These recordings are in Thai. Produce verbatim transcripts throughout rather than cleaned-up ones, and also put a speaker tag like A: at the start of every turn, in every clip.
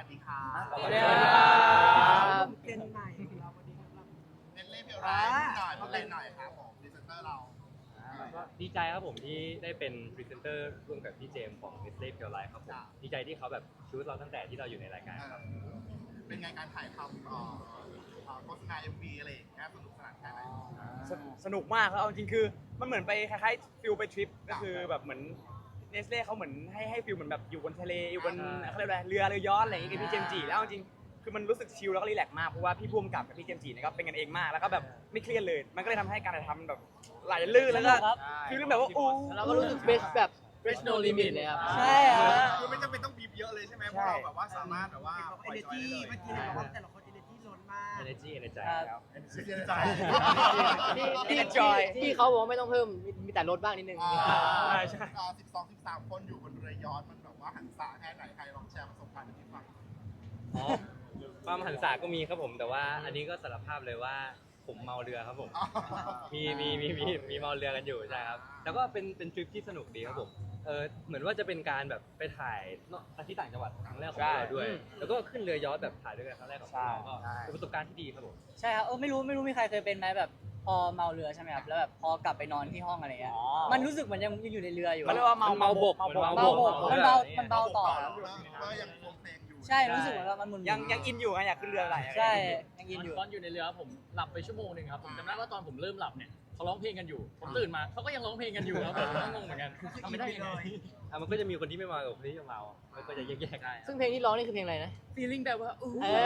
A: ดีค่ะ
B: สวัสดีครับ
C: เจนใหม่ของเราวันนี้ครับ
A: เน้นเล่นเพียวร้ายนิดหน่อยมาเป็นหน่อยครับผมพรีเซนเตอร์เรา
B: ก็ดีใจครับผมที่ได้เป็นพรีเซนเตอร์ร่วมกับพี่เจมส์ของ Nestle Pure Life ครับผมดีใจที่เขาแบบชูสเราตั้งแต่ที่เราอยู่ในรายการครับ
A: เป็นไงการถ่ายทำเอ่อเอ่อโฆษณา เอ็ม วี อะไรอย่างเงี้ยสนุกสนานแค่ไหน
D: สสนุกมากครับเอาจริงๆคือมันเหมือนไปคล้ายๆฟิลไปทริปก็คือแบบเหมือนเนสเล่เขาเหมือนให้ให้ฟิลเหมือนแบบอยู่บนทะเลอยู่บนเขาเรียกอะไรเรือเรือยอชต์อะไรอย่างเงี้ยกับพี่เจมส์จีแล้วเอาจริงๆคือมันรู้สึกชิลแล้วก็รีแลกซ์มากเพราะว่าพี่พุ่มกับกับพี่เจมส์จีเนี่ยก็เป็นกันเองมากแล้วก็แบบไม่เครียดเลยมันก็เลยทำให้การถ่ายทำมันแบบไหลลื่นแล้วก็ฟีลลิ่งแบบว่าอู้
B: เราก็รู้สึกเบสแบบ Fresh No Limit เลยครับ
D: ใช่ครับ
A: คือไม่จำเป็นต้องบีบเยอะเลยใช่ไหมเพราะเราแบบว่าสามารถแบบว่า
C: เห็นบอก
A: ปล่อย
C: เอเน
A: จอย
C: จี
A: ได้เลย
C: เมื่อกี้เห็นบอกว่าแต่ละคนเอเนจีล้นมาก
B: Energy ในใจครับ
A: เสียใจ
D: ที่ enjoy
E: ที่เขาบอกว่าไม่ต้องเพิ่มมีแต่ลดบ้างนิดนึง
D: ใช่ใช่
A: สิบสองสิบสามคนอยู่บนเรือยอชต์มันแบบว่าหันษาแค่ไหนใครลองแชร์ประสบการณ์ให้ฟัง
B: อ๋อความหันษาก็มีครับผมแต่ว่าอันนี้ก็สารภาพเลยว่าผมเมาเรือครับผมมีมีมีมีมีเมาเรือกันอยู่ใช่ครับแต่ก็เป็นเป็นทริปที่สนุกดีครับผมเออเหมือนว่าจะเป็นการแบบไปถ่ายเนาะที่ต่างจังหวัดครั้งแรกของเราด้วย แล้วก็ขึ้นเรือยอชต์แบบถ่ายด้วยกันครั้งแรกของเราก็เป็นประสบการณ์ที่ดีครับผม
F: ใช่ครับเออไม่รู้ไม่รู้มีใครเคยเป็นไหมแบบพอเมาเรือใช่ไหมครับแล้วแบบพอกลับไปนอนที่ห้องอะไรเงี้ยมันรู้สึกเหมือนยังยังอยู่ในเรืออยู่
D: มันเรียกว่าเมา
B: เมาบก
D: เมาบก
B: เมา
F: เบา
B: บก
F: มันเบามันเบาต่อครับ
A: ก็ยังคงเพลงอยู่
F: ใช่รู้สึกเหมือนว่ามันหมุนๆ
D: ยังยังอินอยู่ไงอยากขึ้นเรืออะไร
F: ใช่ยังอินอยู่
G: ตอนอยู่ในเรือผมหลับไปชั่วโมงหนึ่งครับผมจำได้ว่าตอนผมเริ่มหลับเนี่ยเขาร้องเพลงกันอยู่ผมตื่นมาเขาก็ยังร้องเพลงกันอยู่ครับผมก็งงเหมือนกันทำไม่ได้ยังไง
B: อ่ะมันก็จะมีคนที่ไม่เมากับคนที่เมามันก็จะแยกๆได้
E: ซึ่งเพลงที่ร้องนี่คือเพลงอะไรนะ
G: feeling แบบว่าอู้
E: เอ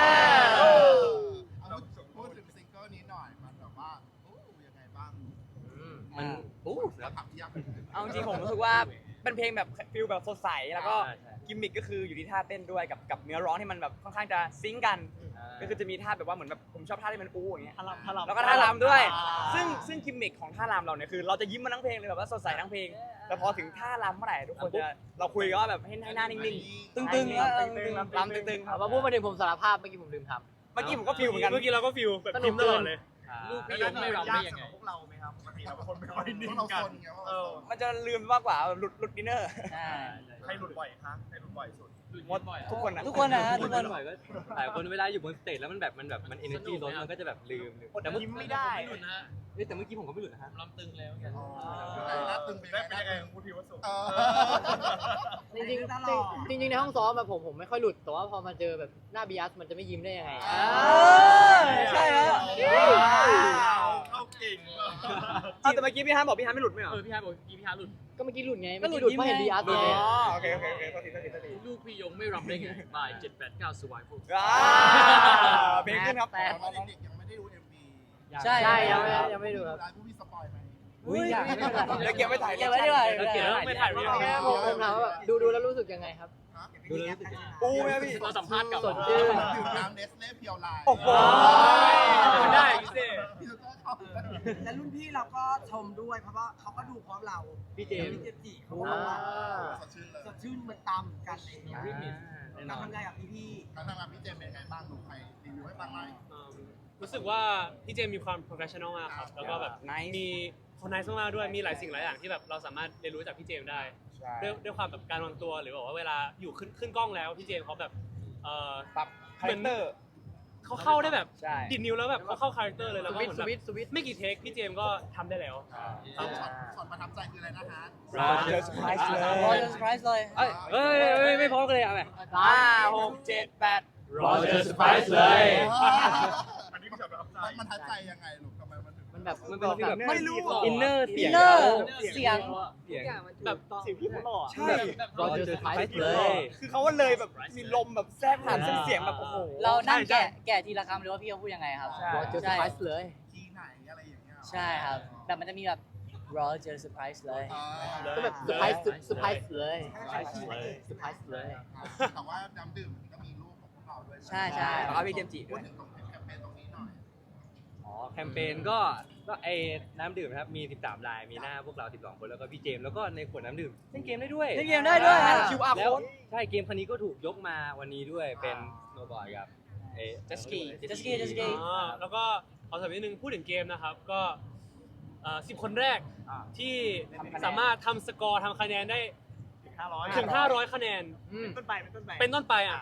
A: เอาพูดถึงซิงเกิลนี้หน่อยมันแบบว่าโอ้ยังไงบ้าง
B: มันอู้
A: แล้วถามที่ยากเป็น
D: เอาจริงๆผมรู้สึกว่าเป็นเพลงแบบฟิลแบบสดใสแล้วก็
B: ใช่ใช่
D: กิมมิคก็คืออยู่ที่ท่าเต้นด้วยกับกับเนื้อร้องที่มันแบบค่อนข้างจะซิงค์กัน ก็คือจะมีท่าแบบว่าเหมือนแบบผมชอบท่าที่มันอู้อย่างเงี้ยแล้วก็ท่ารำด้วย ซึ่งซึ่งกิมมิคของท่ารำเราเนี่ยคือเราจะยิ้มมาทั้งเพลงเลยแบบว่าสดใสทั้งเพลง แต่พอถึงท่ารำเมื่อไหร่ทุกคนจะเราคุยกันว่าแบบให้ให้หน้านิ่งๆ
F: ตึงๆแล้ว
D: ตึงๆรำตึงๆค
E: เอา
D: รับ
E: มาพูดมาถึงผมสารภาพเมื่อกี้ผมลืมท
D: เมื่อกี้ผมก็ฟิลเหมือนกัน
G: เมื่อกี้เราก็ฟิลแบบ
E: สนุก
G: ตลอดเลย
B: ลูก
G: พี่ยกไม่รับได้ยังไง
A: พวกเราไหมครับปกติเราเป็นคนไม่ค่อยนิ่งกันเราคนไงว่าเรา
D: มันจะลืมมากกว่าหลุดหลุดดินเนอร์
F: ใช่
A: ใครหลุดบ่อยคะใครหลุดบ่อยสุด
D: หมดทุกคนนะ
F: ทุกคนนะฮะ
B: ทุ
F: ทุ
B: ก
F: ก
B: ค
F: คน น
B: หน่อยก็หลายคนเวลาอยู่บนสเตจแล้วมันแบบมันแบบมัน energy ล้นมันก็จะแบบลืมแต่เมื่อ
D: ยิ้มไม่ได้
G: ไม่หลุดนะฮะ
B: เอ้ยแต่เมื่อกี้ผมก็ไม่หลุดนะฮะ
G: ลำตึงแล้วกัน
A: หน้าตึงเป็นยังไงของคุณพิวสุ
E: ำจริงจริงๆจริงๆในห้องซ้อมแบบผมผมไม่ค่อยหลุดแต่ว่าพอมาเจอแบบหน้าบีอัสมันจะไม่ยิ้มได้ยังไง
D: ใช่ฮะ
A: เข้าเก่ง
D: เอาแต่เมื่อกี้พี่ฮันบอกพี่ฮันไม่หลุดไม่เหรอ
G: เออพี่ฮาร์ดบอกพี่ฮาร์ดหลุด
E: ก็เมื่อกี้หลุดไง
F: ก็
E: เมื่อ
F: หลุ
E: กี้
F: ด
E: หลุดเพราะเห็น
F: ยิ้มไง
E: บีอัส
D: อ๋
E: ไง
D: อโอเคโอเคโอเคโทษทีโทษทีโทษที
G: ลูกพี่ยงไม่รับได้ไง by เจ็ดแปดเก้า survival
D: อ่าเพลงขึ้นครับ
A: แต่ตอนเด็กๆยังไม่ได้ดู เอ็ม วี
F: ใช่
E: ใช่ยังไม่ยังไม่ดูครับ
A: ร้านผู้มีสปอยไหม
D: อุ้ยอยากเดี๋ยวเก็บไว้ถ่าย
F: เก็บไว้ดีกว่า
G: เก็บไว้ไม่ถ่ายไม่ถ่าย
E: แค่ผมผมถามว่าแบบดูดูแล้วรู้สึกยังไงครับ
B: ดูแล้วรู้สึกยังไง
D: อู้ไหมพี่
G: เราสัมภาษณ์กับ
E: สดชื่น
A: ดื่มน้ำเนสเล่เพียวไลน์
D: โอ้โห
G: มันได้พี่เซ่
A: พี่สุดเข้า
C: และรุ่นพี่เราก็ชมด้วยเพราะว่าเขาก็ดูพร้อมเรา
E: พี่เจมส์
C: พี่เจมส์จีเขาก็บอกว่า
A: สดชื่นเลย
C: สดชื่นเหมือนตามเหมือนกันเลย
B: แน่
C: การ
B: นอน
C: ทำงานกับพี่พี่
A: การทำงานพี่เจมเป็นไงบ้างหนูใครรีวิวให้ฟังหน่อย
H: รู้สึกว่าพี่เจมมีความ professional มากครับ แล้วก็แบบ
D: Nice
H: มีคนไนซ์มากๆด้วย มีหลายสิ่งหลายอย่างที่แบบเราสามารถเรียนรู้จากพี่เจมได้ ด้วยด้วยความแบบการวางตัวหรือแบบว่าเวลาอยู่ขึ้นขึ้นกล้องแล้วพี่เจมเขาแบบเออ
D: ปรับคาแรคเตอร์
H: เขาเข้าได้แบบ
D: ใช่
H: ดิดนิ้วแล้วแบบเขาเข้าคาแรคเตอร์เลยแล้ว
E: ส
H: ก็
E: วิต
H: เหมือน
E: ส
H: แบบ
E: วิตสวิต
H: ไม่กี่เทคพี่เจมก็ทำได้แล้ว
A: ช็อตช็อตประทับใจคืออะไรนะคะ
D: เจอเซอร์ไพรส์เลย
F: รอจนเซอร์ไพรส์เลย
B: เอ้ยเอ้ยเอ้ยไม่พร้อมกันเลยเอาไหม
D: ห้าหกเจ็ดแปด
B: รอเจอเซอร์ไพรส์เลย
A: อันนี้คือช็อตประทับใจมันทัดใจยังไงลูกทำไมมันถึง
E: มันแบบ
B: มันเป็นฟีลแบบ
D: ไม่รู้
B: อินเนอร์
F: อิ
B: เสีย
F: น
B: ง
F: เนอร์เสียง
B: เสียง
H: แบบ
D: เสียงพี่เขาหล่อใช่
E: รอเจอเซอร์ไพรส์เลย
D: คือเขาว่าเลยแบบมีลมแบบแทรกผ่านเส้นเสียงแบบโอ้โห
F: เรานั่งแกะแกะทีละคำเลยว่าพี่เขาพูดยังไงครับ
D: ใช่
E: รอเจอเซอร์ไพรส์เลย
A: ทีไหนอะไรอย่างเงี้ย
F: ใช่ครับแบบมันจะมีแบบรอเจอเซอร์ไพรส์เลย
E: ก็แบบเซอร์ไพรส์เซอร์ไพรส์เลยเซอร์ไพรส์เลย
A: แต่ว่าน้ำดื่มก็มีรูปของพวกเราด้วย
F: ใช่ใช่
D: แล้วก็มีเจมส์จิ
A: พู
D: ด้
A: ด
D: วย
A: ถึงตรงแคมเปญตรงนี้หน่อย
B: อ๋อแคมเปญก็ก็ไอ้น้ำดื่มนะครับมีสิบสามลายมีหน้าพวกเราสิบสองคนแล้วก็พี่เจมส์แล้วก็ในขวดน้ำดื่มเล่นเกมได้ด้วย
F: เล่นเกมได้ด้วย
B: อ่า
D: คิว อาร์
B: แล้ว
D: code
B: ใช่เกมคันนี้ก็ถูกยกมาวันนี้ด้วยเป็นโนบอยกับเอ
D: Jet ski
F: Jet ski Jet ski
H: อ่าแล้วก็ขอสำนิดนึงพูดถึงเกมนะครับก็สิบคนแรกที่สามารถทำสกอร์ทำคะแนนได้ถึงห้าร้อยคะแนน
E: อืม
H: เป็นต้นไปอ่ะขอ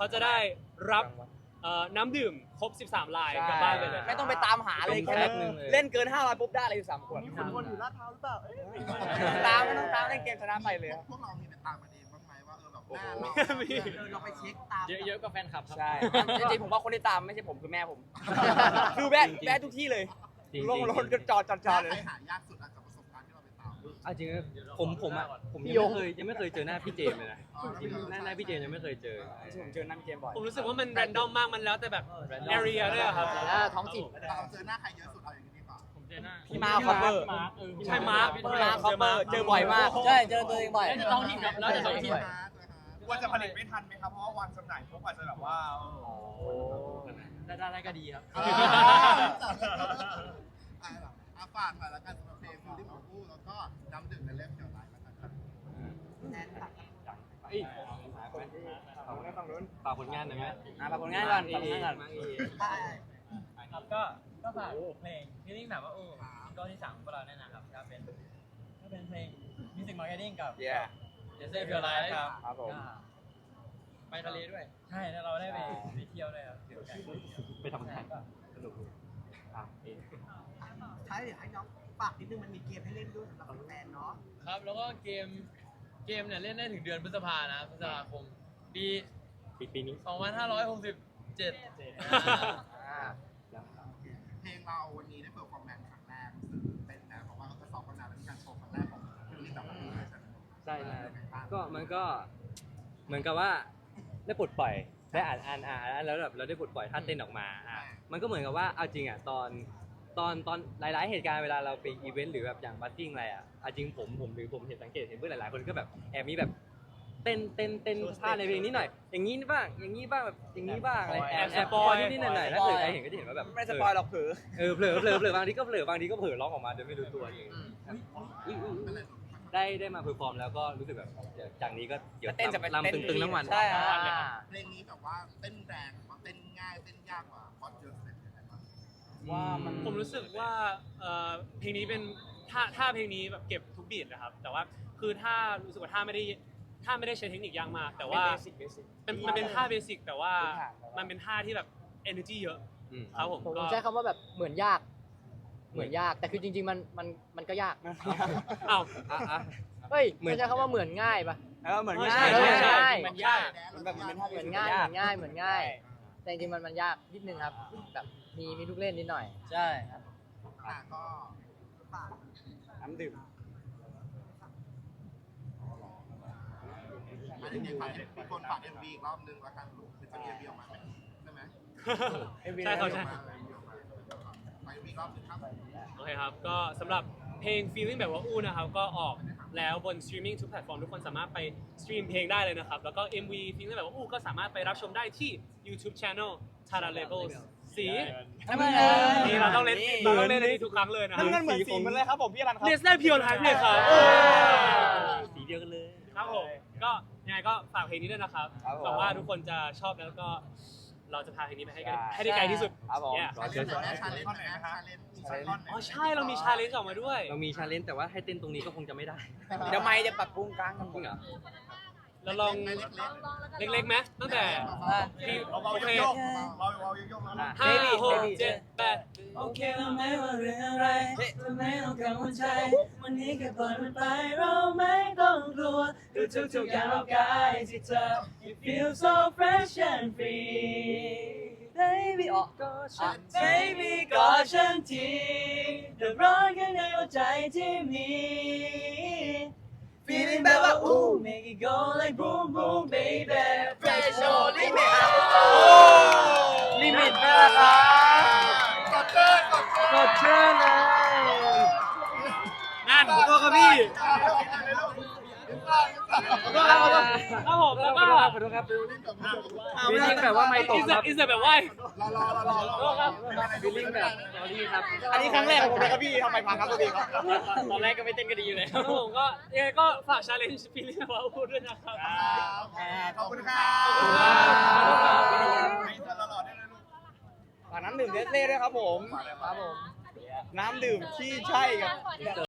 H: เขาจะได้รับเอ่อน้ำดื่มครบสิบสามลายกลับบ้านไปเลย
D: ไม่ต้องไปตามหาเลย
B: เป็น
D: แค่
B: แพ็คหนึ่งเลย
D: เล่นเกินห้าร้อยปุ๊บได้เลยอยู่สามขวด
A: มีคนวนอยู่ลาดพร้าวหรือเปล่าเอ้ย
D: ตามไม่ต้องตามเล่นเกมชนะไปเลยครับ
A: พวกเรามีไปตามมันเองบ้างไหมว่าเออแบบหน้า
H: โอ้
A: เรา
H: โห
C: เออเราไปเช็คตาม
G: เยอะๆกว่าแฟนคลับครับ
D: ใช่จริงๆผมว่าคนที่ตามไม่ใช่ผมคือแม่ผม คือแวะแวะทุกที่เลย
B: จริงๆ
D: ลงรถก็จอดจอดจอดเลย
A: ใครหายากสุดอาจจะประสบการณ์ที่เราไปตาม
B: เอาจริงๆผมผมอ่ะผม
E: พี่
B: ยัง
E: ยง
B: ไม่เคยยังไม่เคยเจอหน้าพี่เจมส์เลยนะจริงๆหน้าหน้าพี่เจมส์ยังไม่เคยเจอ
D: ผมเจอนั่นเกมบ่อย
H: ผมรู้สึกว่ามันแรนดอมมากมันแล้วแต่แบบ area ด้วยอะครับ
E: อ่าท้องถิ่น
A: เราเจอหน้าใครเยอะสุดเอาอย่างนี้ดีกว่า
G: ผมเจอหน้า
D: พี่มาร์คคอปเปอร์
G: มาร์คเออ
H: ใช่มาร์ค
D: พี่มาร์คคอปเปอร์เจอบ่อยมาก
F: ใช่เจอตัวเองบ่อย
G: แล้วจะท้องถิ่นครับแล้วจะท้องถิ่น
A: กลัวจะผลิตไม่ทันไหมครับ เพราะว่าวันจำหน่ายทุกอาจจะแบบว่า
G: ได้ได้ก็ดีครับ
A: อ่าอ่าฝากหน่อยละกันสำหรับเพลงฟิลลิ่งของผู้แล้วก็น้ำดื่มในเล่มเกี่ยวกับอะไรแล้วกันครับ
C: แอนตัด
B: เอ้ยฝากผลงานหน่อยไหม
D: อ่ะฝากผลงานก่อนฝากผลงานก่อน
B: มาอีก
C: ใช่
G: ครับก็ก็ฝากเพลงที่นิ่งแบบว่าโอ้ก็ที่สามของพวกเราแน่นะครับก็เป็นก็เป็นเพลงมิวสิกมาร์เก็ตติ้งกับ
D: เย้
G: เจสเซ่เพียวไลท์ครับ
D: ครับผม
G: ไปทะเลด้วย ใช่แล้วเราได้ไปไปเที่ยวด้วยครับเที่ยวกัน
B: ไปทำงานสนุกอ่ะเอ๊ะ
C: ท้ายเดี๋ยวให้น้องฝากนิดนึงมันมีเกมให้เล่นด้วยสำหรับแฟนเนาะ
G: ครับแล้วก็เกมเกมเนี่ยเล่นได้ถึงเดือนพฤษภานะพฤษภาคมปี
B: ปีปีนี้
G: สองพันห้าร้อยหกสิบเจ็ด
A: เพลงเราวันนี้ได้เปิดฟอร์แมนครั้งแรกรู้สึกเป็นนะเพราะว่าเราจะสอบกันนานแล้วเป็นการโชว์ครั้งแรกของฟิลลิ่งแบบนี้เลยใช่ไหม
B: ใช่ใช่ก็มันก็เหมือนกับว่าได้ปลดปล่อยได้อ่านอ่านอ่านแล้วแบบเราได้ปลดปล่อยท่าเต้นออกมาอ่ะมันก็เหมือนกับว่าเอาจริงอ่ะตอนตอนตอนหลาย ๆ เหตุการณ์เวลาเราไปอีเวนต์หรือแบบอย่างบัตติ้งอะไรอ่ะเอาจริงผมผมหรือผมเห็นสังเกตเห็นเพื่อนหลาย ๆ คนก็แบบแอบมีแบบเต้นเต้นเต้นท่าในเพลงนี้หน่อย อย่างนี้บ้างอย่างนี้บ้างแบบอย่างนี้บ้างอะไรแอบแอบปอยนิดๆหน่อยๆถ้าเกิดใครเห็นก็จะเห็นว่าแบบ
D: ไม่สปอยหรอกเผือ
B: เออเผลอเผลอเผลอบางทีก็เผลอบางทีก็เผลอร้องออกมาโดยไม่รู้ตัวเองได้ได้มาเพอร์ฟอร์มแล้วก็รู้สึกแบบจากนี้ก็เดี๋ยว
D: เต้นจะไป
B: ลำตึงๆทั้งวัน
D: ใช่
F: อ่า
A: เพลงนี้แบบว่าเต้นแรงหรือว่าเต้นง่ายเต้นยากกว่าคอร์ดเยอะเลยยังไงบ้าง
D: ว่ามัน
H: ผมรู้สึกว่าเอ่อเพลงนี้เป็นท่าท่าเพลงนี้แบบเก็บทุกบีทนะครับ แต่ว่าคือถ้ารู้สึกว่าท่าไม่ได้ท่าไม่ได้ใช้เทคนิคยากมาก แต่ว่า
D: เบสิกเบสิก
H: เป็นมันเป็นท่าเบสิกแต่ว่า
D: พื้นฐาน
H: มันเป็นท่าที่แบบ energy เยอะ
B: อืม
H: ครับผม
E: ผม
H: ก็
E: ใช้คำว่าแบบเหมือนยาก เหมือนยาก แต่คือจริง ๆ มันมันมันก็ยาก
H: อ้าว
B: อ่ะอ่ะ
E: เฮ้ยมันใช้คำว่าเหมือนง่ายปะ
D: เออเหมือน
H: เออ
D: ง่าย
H: ใช่ใช่
E: ใช่
H: มันยาก
D: มันแบบมันเป็นท่า
E: เหมือนง่ายเหมือนง่ายเหมือนง่าย แต่จริงๆมันมันยากนิดนึงครับ แบบมีมีลูกเล่นนิดหน่อย
F: ใช่ครับ
A: อ่ะก็
C: ฝาก
D: น้ำดื่ม
A: อันนี้มีฝากมีคนฝากเอ็มวีอีกรอบนึงละกันลูกคือจะมีเอ็มวีออกมาไหมใช่ไหม
H: ใช่ครับใช่
A: ฝากเอ็มวีอีกรอบนึงครับ
H: โอเคครับ ก็สำหรับเพลง feeling แบบว่าอู้นะครับ ก็ออกแล้วบน streaming ทุกแพลตฟอร์มทุกคนสามารถไปสตรีมเพลงได้เลยนะครับ แล้วก็ เอ็ม วี feeling แบบว่าอู้ก็สามารถไปรับชมได้ที่ YouTube Channel Tara Labels สี
F: น้ำเงิน
H: นี่เราต้องเล่นเราต้องเล่นอันนี้ทุกครั้งเลยนะครั
D: น้ำเงินเหมือนสีมันเลยครับผมพี่อรันครับ
H: เนสได้พิวไทป์เลยครับ
B: สีเดียวกันเลย
H: ครับผมก็ยังไงก็ฝากเพลงนี้ด้วยนะครับ
D: ครับผม
H: หวังว่าทุกคนจะชอบแล้วก็เราจะพาเพลงนี้ไปให้กันให้ได้ไกลที่สุด
D: ครับผม
H: Yeah
A: ชาเลนจ์หน่อยนะชาเลนจ์หน่อยนะชาเลนจ์มีชาเลนจ์
H: อ๋อใช่เรามีชาเลนจ์ออกมาด้วย
B: เรามีชาเลนจ์แต่ว่าให้เต้นตรงนี้ก็คงจะไม่ได้
D: เดี๋ยวไม่จะปรับปรุงกลางกัน
B: จริงเหรอ
H: เราลองเล็กๆไหมตั้งแต่พี่โอเคห้าหกเจ็ดแปด
F: โอเคเราไม่ว่าเรื่องอะไรจะไม่ต้องกังวลใจวันนี้แค่ปล่อยมันไปเราไม่ต้องกลัวดูทุกๆอย่างรอบกายที่เธอ You feel so fresh and free Baby ออกก็ฉัน Baby ก็ฉันทีเดือดร้อนข้างในหัวใจที่มี Feeling แบบว่าอู้ Make it go like boom boom baby Fresh or limit
D: ลิมิตแล้วครับ
A: กดเชิญกดเชิญ
B: กดเชิญเลย
H: นั่นตัวกับพี่
B: ครับผมแล้วก็ขอโทษครับวิลลิ่งแบบว่าไม่ตก
H: อิส
B: ครับ
H: อิสแบบว่า
A: รอรอรอรอ
H: ครับ
B: วิลลิ่งแบบสอรี่ครับ
D: อันนี้ครั้งแรกของผมเลยครับพี่ทำไมพังครับตัวพี่ครับ
H: ตอนแรกก็ไม่เต้นกันดีอยู่เลยครับผมก็ยังไงก็ฝากชาเลนจ์ฟีลิ่งว่าพูดด้วยนะครับ
A: ขอบคุณครับ
D: ฝากน้ำดื่มเดสเล่ด้วยครับผม
E: ครับผม
D: น้ำดื่มที่ใช่กับ